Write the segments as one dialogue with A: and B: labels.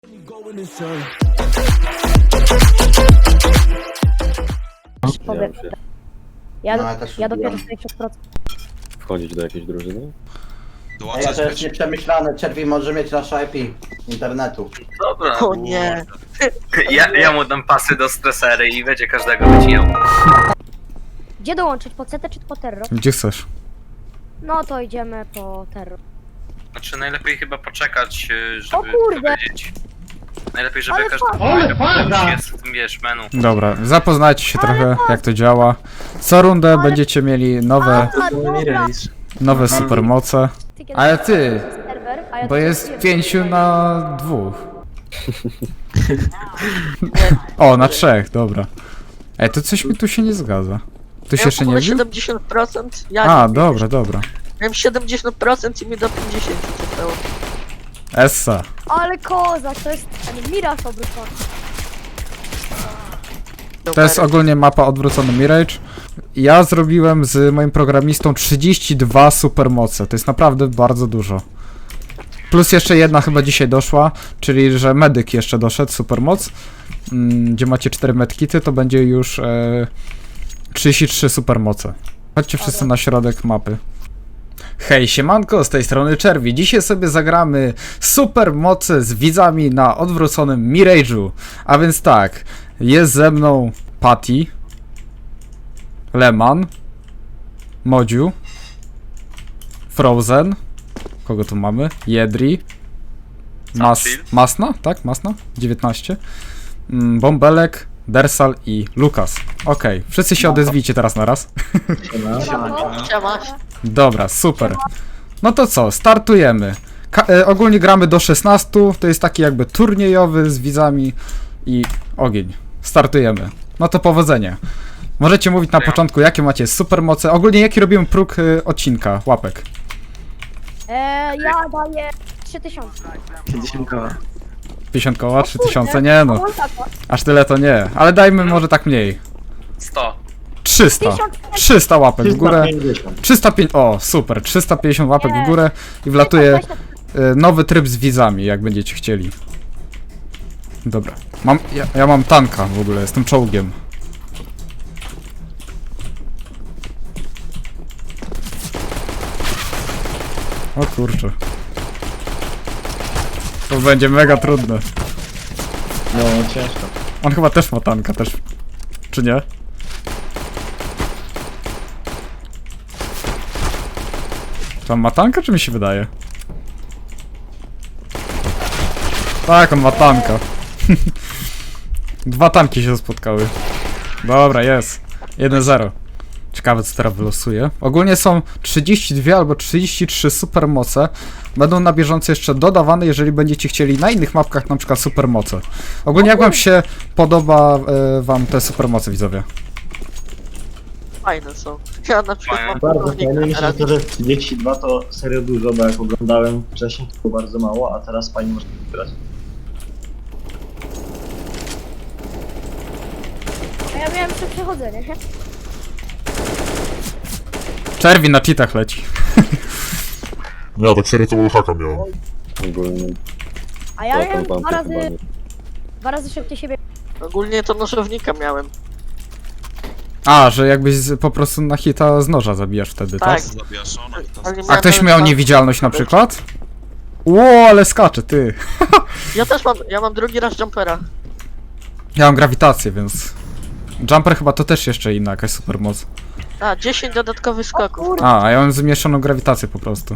A: Powiem. Ja dopiero 60%.
B: Wchodzić do jakiejś drużyny?
C: Ja to jest nieprzemyślane, Czerwi może mieć nasze IP internetu.
D: Dobra.
E: O nie.
D: Ja mu dam pasy do stresery i będzie każdego wycinał.
A: Gdzie dołączyć? Po CT czy po Terro?
F: Gdzie chcesz?
A: No to idziemy po Terro.
D: Znaczy najlepiej chyba poczekać,
A: O
D: żeby
A: kurde!
D: powiedzieć. Najlepiej, żeby
A: Ale
D: każdy jest w tym, wiesz, menu.
F: Dobra, zapoznajcie się trochę jak to działa. Co rundę będziecie mieli nowe supermoce. Ale ty,
A: Serwer, a ja
F: bo
A: tu
F: jest
A: wiem.
F: 5 na 2. O, na 3, dobra. Ej, to coś mi tu się nie zgadza. Tu się jeszcze nie
E: mam
F: wbił?
E: 70%, ja
F: A,
E: nie
F: dobra, dobra.
E: miałem 70% i mi do 50 zostało.
F: Essa.
A: Ale kozak, to jest ten Miraż obrócony.
F: To jest ogólnie mapa odwrócony Mirage. Ja zrobiłem z moim programistą 32 supermoce. To jest naprawdę bardzo dużo. Plus jeszcze jedna chyba dzisiaj doszła, czyli że medyk jeszcze doszedł, supermoc. Gdzie macie 4 medkity, to będzie już 33 supermoce. Chodźcie wszyscy na środek mapy. Hej, siemanko, z tej strony Czerwi. Dzisiaj sobie zagramy supermoce z widzami na odwróconym Mirage'u. A więc tak, jest ze mną Patty, Leman, Modziu, Frozen, kogo tu mamy? Jedri, Masna, tak? Masna? 19. Bąbelek, Dersal i Lukas. Okej, wszyscy się odezwijcie teraz na raz.
E: Siema.
F: Dobra, super. No to co, startujemy. Ogólnie gramy do 16, to jest taki jakby turniejowy z widzami i ogień. Startujemy. No to powodzenia. Możecie mówić na początku, jakie macie supermoce. Ogólnie jaki robimy próg odcinka, łapek.
A: Ja daję 3000.
F: 50 koła, 3000, nie no.
A: Tak,
F: Aż tyle to nie. Ale dajmy może tak mniej.
D: 100.
F: 300. 300 łapek w górę. 350. O, super. 350 łapek w górę i wlatuje nowy tryb z widzami, jak będziecie chcieli. Dobra. Ja mam tanka w ogóle, jestem czołgiem. O kurczę. To będzie mega trudne.
B: No, ciężko.
F: On chyba też ma tanka, też. Czy nie? Czy on ma tanka, czy mi się wydaje? Tak, on ma tanka. Dwa tanki się spotkały. Dobra, jest. 1-0. Ciekawe, co teraz wylosuje. Ogólnie są 32 albo 33 supermoce. Będą na bieżąco jeszcze dodawane, jeżeli będziecie chcieli na innych mapkach na przykład supermoce. Ogólnie jak wam się podoba wam te supermoce, widzowie?
E: Fajne są. Ja na przykład mam
B: Bardzo
E: pułkownika
B: fajne. Myślę,
E: teraz.
B: że to, że 32 to serio dużo, bo jak oglądałem wcześniej, to było bardzo mało, a teraz fajnie można wybrać.
A: A ja miałem jeszcze przechodzenie.
F: Czerwi na cheatach leci.
G: Ja tak serio to haka miałem.
B: Ogólnie.
A: A ja miałem
B: potem wam chyba nie.
A: dwa razy szybciej siebie.
E: Ogólnie to nożownika miałem.
F: A, że jakbyś po prostu na hita z noża zabijasz wtedy, tak?
E: Tak. Ale nie
F: A
E: miałem
F: ktoś
E: nawet
F: miał
E: tam-
F: niewidzialność na przykład? Ło, ale skacze, ty.
E: Ja też mam, ja mam drugi raz jumpera.
F: Ja mam grawitację, więc... Jumper chyba to też jeszcze inna jakaś supermoc.
E: A, 10 dodatkowych skoków.
A: Kurde.
F: A ja mam zmieszaną grawitację po prostu.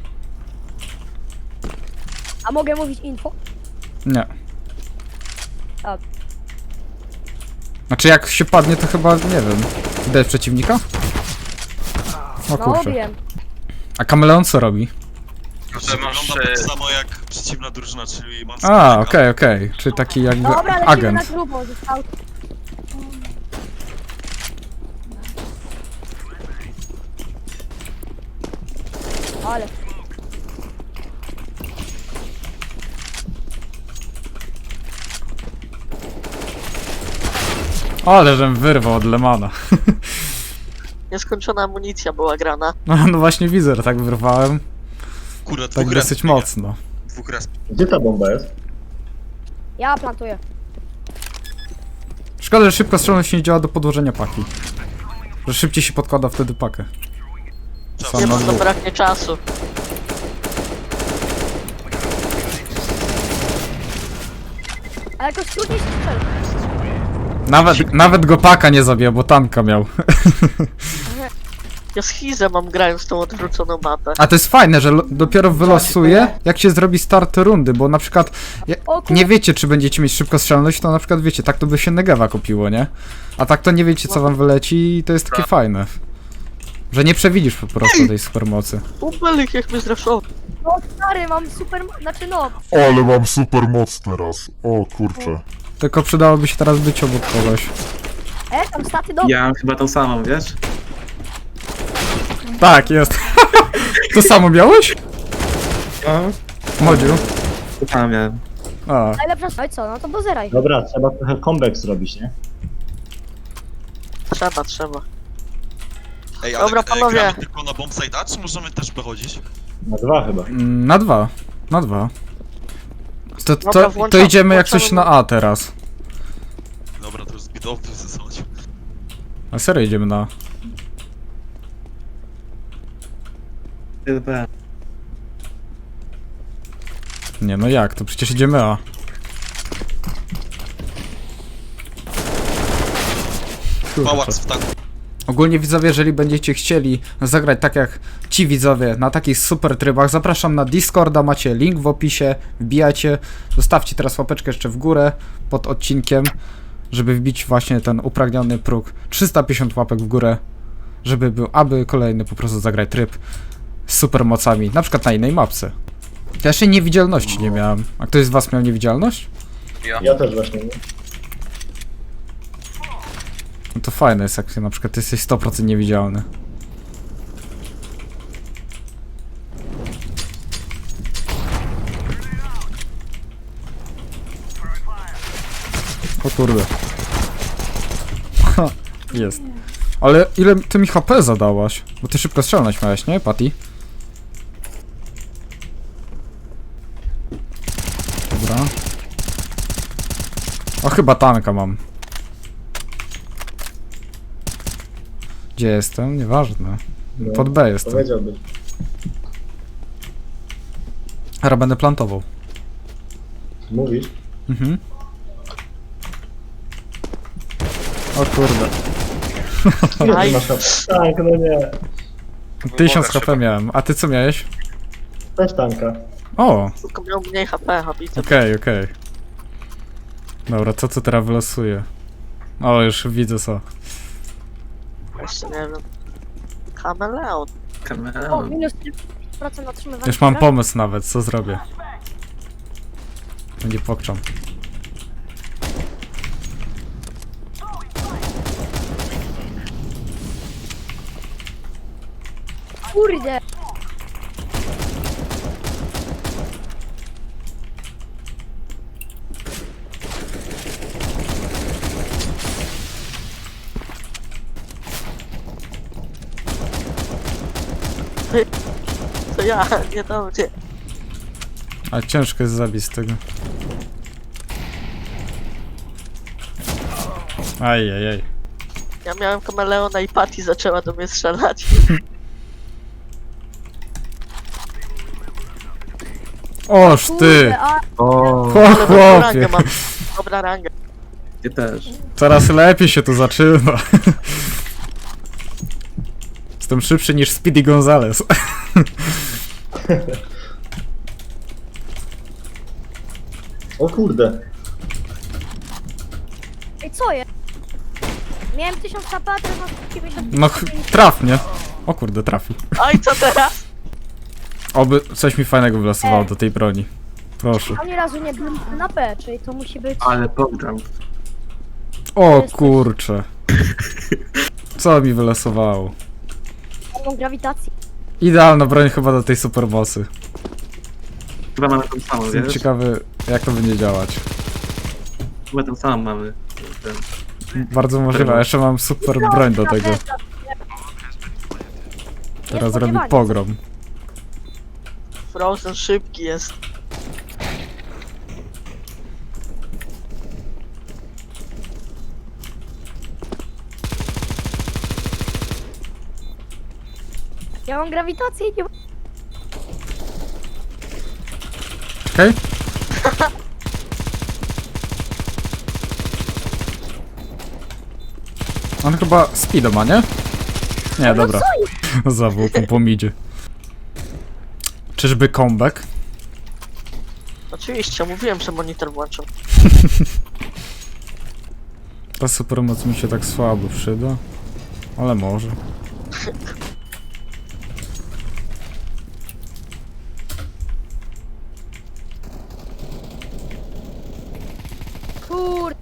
A: A mogę mówić info?
F: Nie.
A: A.
F: Znaczy jak się padnie, to chyba, nie wiem. Widać przeciwnika? O
A: No
F: kurczę.
A: wiem.
F: A kameleon co robi?
D: To masz...
H: Wygląda tak samo jak przeciwna drużyna, czyli mam
F: A, okej. Czyli taki jakby
A: Dobra, lecimy na
F: agent.
A: grubo, został. Ale.
F: Ale żem wyrwał od Lemana.
E: Nieskończona amunicja była grana.
F: No właśnie widzę, że tak wyrwałem.
H: Kurwa,
F: Tak dosyć mocno.
H: Dwóch raz.
B: Gdzie ta bomba jest?
A: Ja plantuję.
F: Szkoda, że szybka strzelność nie działa do podłożenia paki. Że szybciej się podkłada wtedy pakę. Sam
E: Nie
F: na
E: mam
F: dwóch.
E: zabraknie czasu.
A: Ale jakoś trudniej się strzela.
F: Nawet go paka nie zabija, bo tanka miał.
E: Ja schizę mam grając tą odwróconą mapę.
F: A to jest fajne, że dopiero wylosuje, jak się zrobi start rundy, bo na przykład
A: O kur...
F: nie wiecie, czy będziecie mieć szybkostrzelność, to na przykład wiecie, tak to by się Negewa kupiło, nie? A tak to nie wiecie, co wam wyleci i to jest takie fajne. Że nie przewidzisz po prostu tej supermocy.
E: Upelik jak mnie zraszował.
A: No stary, mam super... Znaczy no...
G: Ale mam super moc teraz. O kurczę.
F: Tylko przydałoby się teraz być obok kogoś.
A: Tam staty do...
I: Ja mam chyba tą samą, wiesz?
F: Tak, jest. To samo miałeś?
I: No,
F: Modziu.
I: to samo miałem.
F: A,
A: Najlepsza... No i co, no to bozeraj.
B: Dobra, trzeba trochę comeback zrobić, nie?
E: Trzeba.
H: Ej, ale
E: Dobra, panowie.
H: gramy tylko na bombsite'a, czy możemy też wychodzić?
B: Na 2 chyba.
F: na 2. Na 2. To
E: Dobra, włączam-
F: idziemy jak coś
E: włączamy-
F: na A teraz.
H: Dobra, to już zbyt obvious zasadzi.
F: Na serio idziemy na A.
I: TDP.
F: Nie no jak, to przecież idziemy A.
H: Pałac w tanku.
F: Ogólnie widzowie, jeżeli będziecie chcieli zagrać tak jak ci widzowie na takich super trybach, zapraszam na Discorda, macie link w opisie, wbijacie, zostawcie teraz łapeczkę jeszcze w górę pod odcinkiem, żeby wbić właśnie ten upragniony próg 350 łapek w górę, żeby był, aby kolejny po prostu zagrać tryb z supermocami, na przykład na innej mapce. Ja jeszcze niewidzialności nie miałem. A ktoś z was miał niewidzialność?
B: Ja też właśnie, nie?
F: No to fajne jest, jak na przykład ty jesteś 100% niewidzialny. O kurde. Ha, jest. Ale ile ty mi HP zadałaś? Bo ty szybko strzelność miałeś, nie, Patty? Dobra. O, chyba tanka mam. Gdzie jestem? Nieważne.
B: No,
F: Pod B jestem.
B: Powiedziałbyś.
F: Teraz będę plantował.
B: Mówisz?
F: Mhm. O kurde.
B: Ile
E: Aj.
B: ty masz HP? Tak, no nie.
F: 1000
D: Woda
F: HP miałem. A ty co miałeś?
B: Też tanka.
F: O!
E: Tylko miał mniej HP, habity.
F: Okej. Dobra, co teraz wylosuje? O, już widzę co.
E: Jeszcze nie wiem. Kameleon.
A: O,
I: Kameleon.
A: minus 3% otrzymywania.
F: Już mam pomysł nawet, co zrobię. Nie pokczam.
A: Kurde.
E: To ja, nie to gdzie.
F: A ciężko jest zabić z tego. Ajajaj.
E: Ja miałem kameleona i Patty zaczęła do mnie strzelać.
F: Oż ty!
A: Kurde, a...
I: O,
F: O
E: Ale dobrą rangę
F: chłopie!
E: mam. Dobra rangę.
I: ty też.
F: Coraz lepiej się tu zaczyna. Jestem szybszy niż Speedy Gonzales.
B: O kurde.
A: Ej, co jest? Miałem 1000 HP, a teraz mam 90.
F: No traf mnie. O kurde, trafił.
E: Oj, co teraz?
F: Oby coś mi fajnego wylosowało do tej broni. Proszę.
A: Ani razu nie byłem na P, czyli to musi być...
I: Ale program.
F: O kurcze. Co mi wylosowało?
A: Mam grawitacji.
F: Idealna broń chyba do tej superbossy.
I: Chyba mamy tą samą,
F: Jestem
I: wiesz?
F: ciekawy jak to będzie działać.
I: Chyba tą samą mamy. Ten.
F: Bardzo możliwe, a jeszcze mam super broń do tego. Teraz robi pogrom.
E: Frozen szybki jest.
A: Ja mam grawitację i nie...
F: Czekaj. On chyba speeda ma, nie? Nie, dobra. Za włóką po midzie. Czyżby comeback?
E: Oczywiście, mówiłem, że monitor włączam.
F: Ta supermoc mi się tak słabo przyda. Ale może.
A: Kur...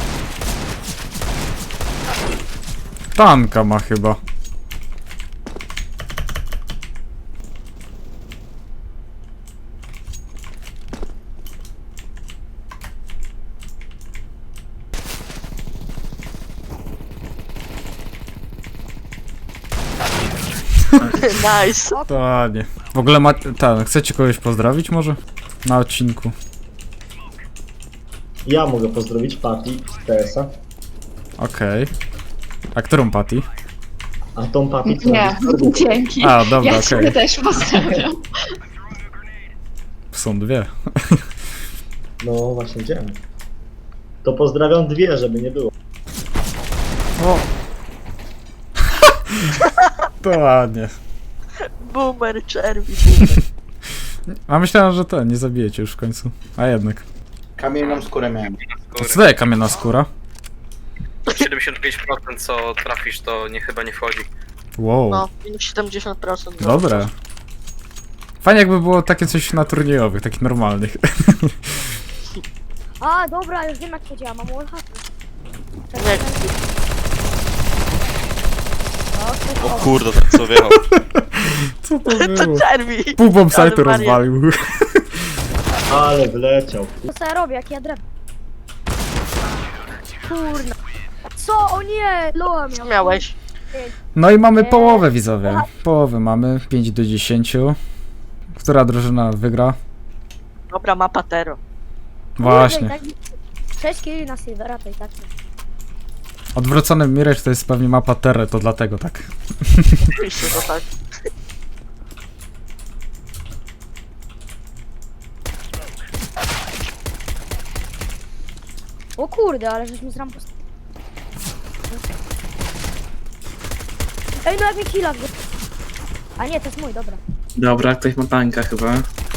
F: Tanka ma chyba.
E: Nice.
F: To nie. W ogóle chcecie kogoś pozdrowić może? Na odcinku.
B: Ja mogę pozdrowić Patty z TS-a.
F: Okej. A którą Patty?
B: A tą Patty co
J: Nie, dzięki.
F: A, dobra,
J: Ja
F: okej.
J: ciebie też pozdrawiam.
F: Są dwie.
B: No właśnie widziałem. To pozdrawiam dwie, żeby nie było.
F: O! To ładnie.
E: Boomer, czerwi, boomer.
F: A myślałem, że nie zabijecie już w końcu. A jednak.
C: Kamienną skórę miałem.
F: To co daje kamienna skóra?
D: 75% co trafisz, to chyba nie wchodzi.
F: Wow.
E: No, minus 70%.
F: Dobre. Fajnie jakby było takie coś na turniejowych, takich normalnych.
A: A, dobra, już wiem jak to działa, mam wallhack.
E: Nie.
H: O kurde, ten co wjechał.
F: Co to
E: To
F: było?
E: czerwi.
F: Pół bombsite'u
E: Ale wariat.
F: rozwalił.
B: Ale wleciał.
A: Co ja robię, jak ja drewno? Kurna. Co? O nie! Loa
E: Co
A: miał.
E: miałeś?
F: No i mamy połowę, widzowie. Połowę mamy, 5 do 10. Która drużyna wygra?
E: Dobra, mapa Tero.
F: Właśnie.
A: 6 kili na Silvera, to i tak.
F: Odwrócony Mirage to jest pewnie mapa Terre, to dlatego tak.
E: Oczywiście, to tak.
A: O kurde, ale żeś mi z rampu... Ej, no jak mi killa wy... A nie, to jest mój, dobra.
I: Dobra, ktoś ma tanka chyba.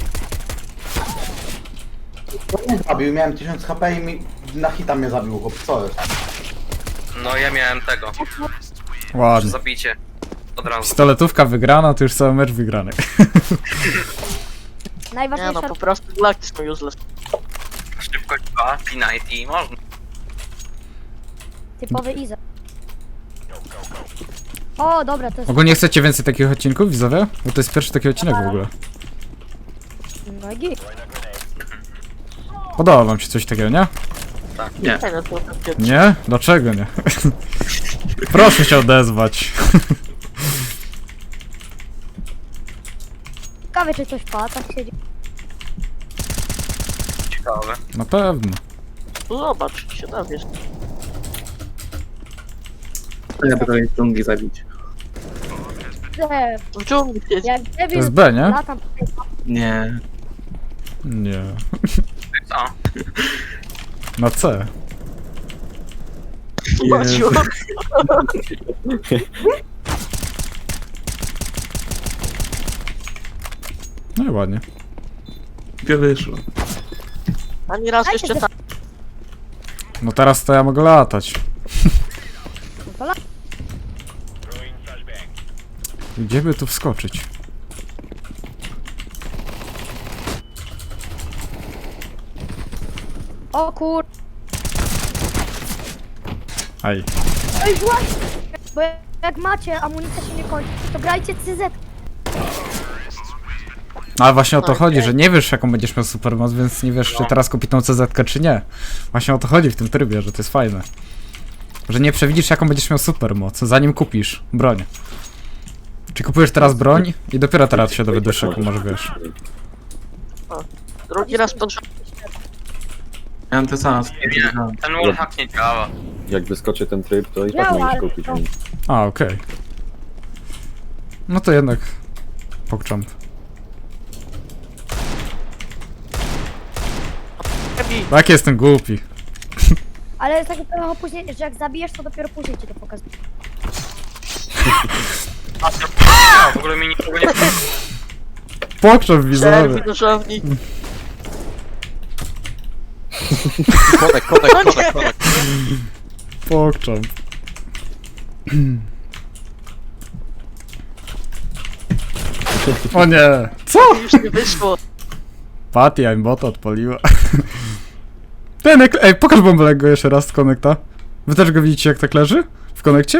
C: Nie zabił, miałem 1000 HP i na hita mnie zabił, chłop. Co jest?
D: No ja miałem tego,
F: Ładnie.
D: zabicie. Od razu.
F: Pistoletówka wygrana, to już cały mecz wygrany.
E: Nie
A: Najważniejsza...
E: no, po prostu Galactus no useless.
D: Szybkość 2, P90 i można.
A: Typowy Iza. O, dobra, to jest...
F: Ogólnie chcecie więcej takich odcinków, widzowie? Bo to jest pierwszy taki odcinek w ogóle.
A: No i git.
F: Podoba wam się coś takiego, nie?
I: Nie.
E: Nie no, to takie...
F: Nie? Dlaczego nie? Proszę się odezwać.
A: Ciekawe, czy coś pada, tak siedzi.
D: Ciekawe.
F: Na pewno.
E: No zobacz, się dowiesz.
I: To ja będę dżungli zabić.
E: W dżungli siedzi.
A: Jak
F: To
A: Devil
F: jest B, nie?
A: latam...
I: Nie.
F: Nie.
D: Co?
F: Na C.
E: Maciu.
F: No i ładnie.
I: Gdzie wyszło?
E: Ani raz jeszcze tam.
F: No teraz to ja mogę latać. Gdzie by tu wskoczyć?
A: O kur...
F: Aj.
A: Ej, właśnie! Bo jak macie, amunicja się nie kończy, to grajcie CZ.
F: No ale właśnie o to chodzi, że nie wiesz jaką będziesz miał supermoc, więc nie wiesz czy teraz kupić tą CZ czy nie. Właśnie o to chodzi w tym trybie, że to jest fajne. Że nie przewidzisz jaką będziesz miał supermoc, zanim kupisz broń. Czy kupujesz teraz broń i dopiero teraz się dowiesz jaką masz, wiesz.
E: Drugi raz pod rząd.
I: Ja mam to samo.
D: Ten wallhack nie działa.
K: Jak wyskoczy ten tryb, to i tak
A: Działa,
K: możesz
A: ale
K: kupić.
A: to-
F: A, okej. No to jednak Pogchamp.
E: Ebi,
F: Tak, jestem głupi.
A: Ale jest takie trochę później, że jak zabijesz, to dopiero później ci to pokazuje.
D: A, w ogóle mi nikogo nie...
F: Pogchamp widzowie.
E: czerwi nożownik.
H: Konek.
F: Pogchamp. O nie! Co?
E: Już nie wyszło.
F: Patty, aimbota odpaliła. Ej, pokaż bąbelek go jeszcze raz z konekta. Wy też go widzicie jak tak leży? W konekcie?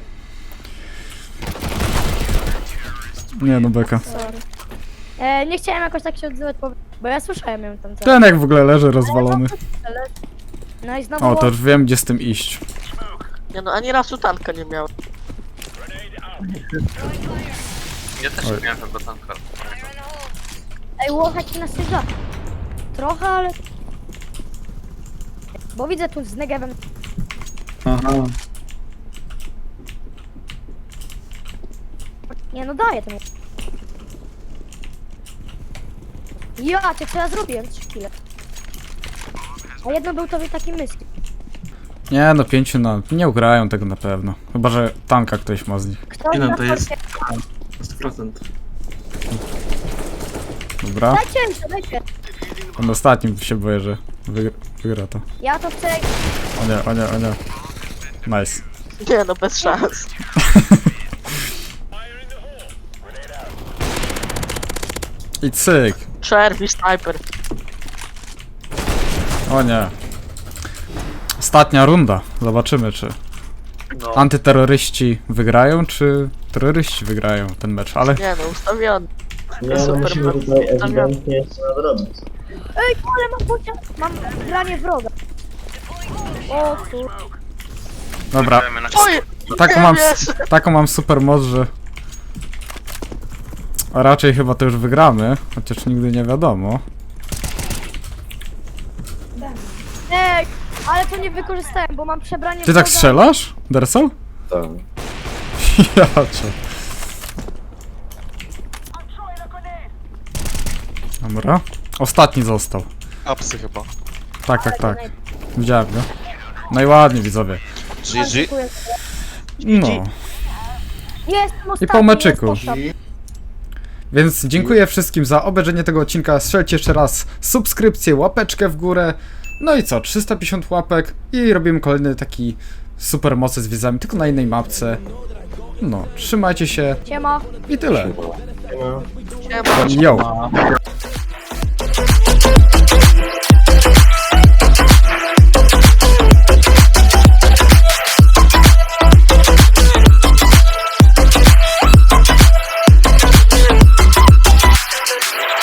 F: Nie no, beka.
A: Sorry. Nie chciałem jakoś tak się odzywać, bo ja słyszałem ją tam cały.
F: Ten jak w ogóle leży rozwalony.
A: No i znowu...
F: O, to już wiem gdzie z tym iść.
E: Nie no, ani razu tanka nie miałem.
D: Ja też nie miałem tego tanka.
A: Ej, łochać na styża. Trochę, ale... Bo widzę tu z Negevem.
I: Aha.
A: Nie no, daję temu. Ja, ty co ja zrobiłem? 3 chwile. A jedno był tobie taki myśl.
F: Nie no, 5 na... Nie ugrają tego na pewno. Chyba, że tanka ktoś ma z nich.
A: Kto
I: Nie no,
A: na
I: to jest-
A: forcie-
I: 100%.
F: Dobra.
A: Dajcie mi to, dajcie.
F: Ten ostatnim się boję, że wygra to.
A: Ja to chcę...
F: O nie, o nie, o nie. Nice.
E: Nie no, bez szans.
F: I cyk.
E: Czerwi, sniper.
F: O nie. Ostatnia runda. Zobaczymy, czy
D: No.
F: antyterroryści wygrają, czy terroryści wygrają ten mecz, ale
E: Nie no, ustawiony.
B: Nie no,
E: Super,
B: musimy
E: mam-
B: tutaj ewidentnie jeszcze nadrobić.
A: Ej, ale mam pociąg. Mam granie wroga. O kur...
F: dobra.
D: Gramy na
E: Oj!
F: Taką mam super moc, że a raczej chyba to już wygramy, chociaż nigdy nie wiadomo.
A: Ej, ale to nie wykorzystałem, bo mam przebranie
F: Ty tak
A: wroga.
F: strzelasz, Dersol?
B: Tak.
F: Ja cię. Dobra. Ostatni został.
H: Apsy chyba.
F: Tak. Widziałem go. No i ładnie widzowie.
H: GG.
A: Dziękuję.
F: No.
A: Jestem ostatni,
F: po meczyku.
A: jest poszłam.
F: Więc dziękuję wszystkim za obejrzenie tego odcinka. Strzelcie jeszcze raz subskrypcję, łapeczkę w górę. No i co? 350 łapek i robimy kolejny taki super mocy z wiedzami, tylko na innej mapce. No, trzymajcie się
A: Siema.
F: i tyle.
B: No.
E: Siema.
F: Yo.